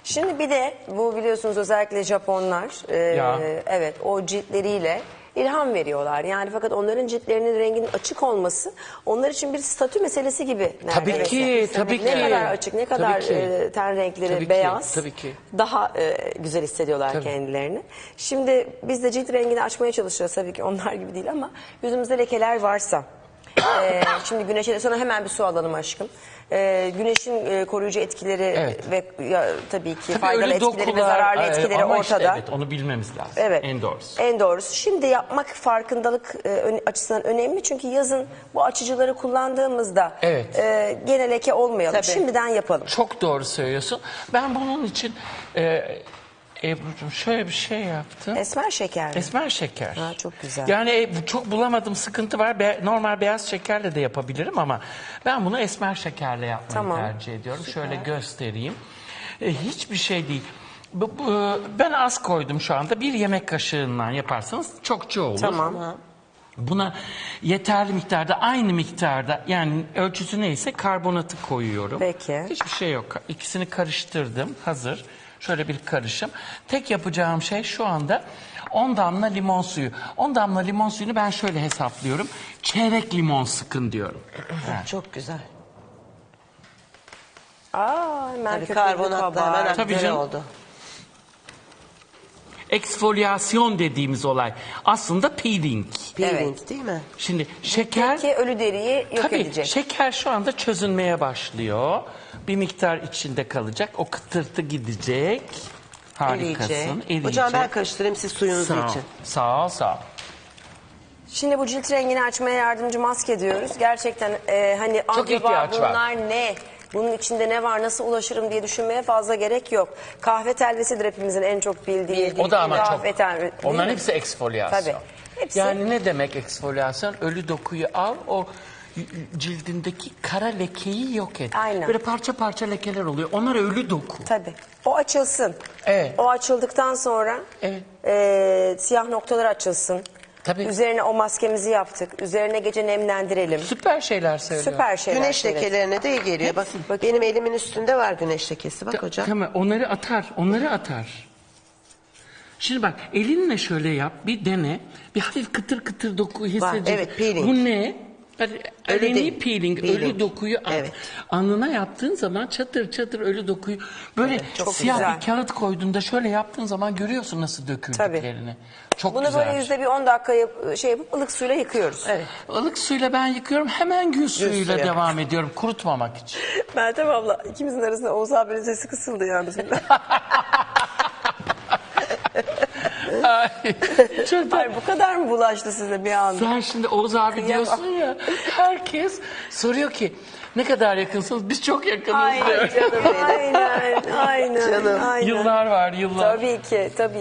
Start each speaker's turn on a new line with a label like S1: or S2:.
S1: Şimdi bir de bu biliyorsunuz özellikle Japonlar evet o ciltleriyle ilham veriyorlar. Yani fakat onların ciltlerinin renginin açık olması onlar için bir statü meselesi gibi
S2: Tabii
S1: neredeyse.
S2: ki, tabii
S1: Ne
S2: ki.
S1: kadar açık, ne kadar ten renkleri
S2: Tabii ki,
S1: beyaz
S2: tabii ki.
S1: daha güzel hissediyorlar
S2: Tabii.
S1: kendilerini. Şimdi biz de cilt rengini açmaya çalışıyoruz tabii ki onlar gibi değil ama yüzümüzde lekeler varsa şimdi güneşe sonra hemen bir su alalım aşkım. Güneşin koruyucu etkileri ve tabii ki faydalı
S2: öyle
S1: etkileri ve
S2: dokular,
S1: zararlı etkileri
S2: ama
S1: ortada.
S2: Işte, evet, onu bilmemiz lazım.
S1: Evet.
S2: En doğrusu.
S1: En doğrusu. Şimdi yapmak farkındalık açısından önemli. Çünkü yazın bu açıcıları kullandığımızda gene leke olmayalım.
S3: Tabii.
S1: Şimdiden yapalım.
S2: Çok doğru söylüyorsun. Ben bunun için Ebru'cum şöyle bir şey yaptım.
S1: Esmer şeker mi?
S2: Esmer şeker.
S1: Ha, çok güzel.
S2: Yani çok bulamadım, sıkıntı var. Normal beyaz şekerle de yapabilirim ama ben bunu esmer şekerle yapmayı tercih ediyorum.
S1: Süper.
S2: Şöyle göstereyim. Hiçbir şey değil. Ben az koydum şu anda. Bir yemek kaşığından yaparsanız çokça olur.
S1: Tamam.
S2: Buna yeterli miktarda, aynı miktarda, yani ölçüsü neyse karbonatı koyuyorum.
S1: Peki.
S2: Hiçbir şey yok. İkisini karıştırdım. Hazır. Şöyle bir karışım. Tek yapacağım şey şu anda 10 damla limon suyu. 10 damla limon suyunu ben şöyle hesaplıyorum. Çeyrek limon sıkın diyorum.
S3: Çok güzel.
S1: Hemen
S3: Tabii
S1: köpüklü
S3: karbonatla
S1: kabar.
S3: hemen
S2: Tabii
S3: güzel
S2: canım.
S3: oldu.
S2: Eksfolyasyon dediğimiz olay aslında peeling.
S3: Peeling değil mi?
S2: Şimdi şeker...
S1: Peki ölü deriyi yok
S2: Tabii
S1: edecek.
S2: şeker şu anda çözünmeye başlıyor. Bir miktar içinde kalacak. O kıtırtı gidecek. Harikasın. Eriyecek.
S3: Hocam ben karıştırayım siz suyunuzu
S2: Sağ ol.
S3: için.
S2: Sağ ol, sağ ol.
S1: Şimdi bu cilt rengini açmaya yardımcı maske diyoruz. Gerçekten hani
S2: Çok
S1: acaba
S2: ihtiyaç var.
S1: bunlar ne? Bunun içinde ne var? Nasıl ulaşırım diye düşünmeye fazla gerek yok. Kahve telvesidir hepimizin en çok bildiği.
S2: O da ama
S1: kahve
S2: çok.
S1: telvesi.
S2: Onların hepsi eksfolyasyon.
S1: Tabii. Hepsi.
S2: Yani ne demek eksfolyasyon? Ölü dokuyu al, o cildindeki kara lekeyi yok et.
S1: Aynen.
S2: Böyle parça parça lekeler oluyor. Onlar ölü doku.
S1: Tabii. O açılsın.
S2: Evet.
S1: O açıldıktan sonra siyah noktalar açılsın.
S2: Tabii.
S1: Üzerine o maskemizi yaptık. Üzerine gece nemlendirelim.
S2: Süper şeyler söylüyor.
S1: Süper şeyler.
S3: Güneş lekelerine de iyi geliyor. Bak benim elimin üstünde var güneş lekesi. Bak hocam.
S2: Tamam, onları atar. Şimdi bak, elinle şöyle yap, bir dene. Bir hafif kıtır kıtır doku hissedecek.
S3: evet, peeling.
S2: Bu ne? Aleni
S3: değil.
S2: peeling, ölü dokuyu al.
S3: Evet.
S2: Alnına yaptığın zaman çatır çatır ölü dokuyu böyle
S1: çok
S2: siyah
S1: güzel.
S2: bir kağıt koyduğunda şöyle yaptığın zaman görüyorsun nasıl döküldüklerini. Çok
S1: Bunu
S2: güzel.
S1: böyle yüzde bir 10 dakika yapıp ılık suyla yıkıyoruz.
S3: Evet.
S2: Ilık suyla ben yıkıyorum, hemen gül suyuyla
S3: suyu.
S2: devam ediyorum kurutmamak için.
S1: Meltem abla ikimizin arasında Oğuz abinin sesi kısıldı yalnız.
S2: Ay, çok da-
S1: Ay bu kadar mı bulaştı size bir anda?
S2: Sen şimdi Oğuz abi diyorsun ya, herkes soruyor ki ne kadar yakınsınız? Biz çok yakınız
S1: Ay
S2: diyor.
S1: canım aynen.
S3: Canım.
S1: Aynen.
S2: Yıllar var, yıllar.
S1: Tabii ki tabii.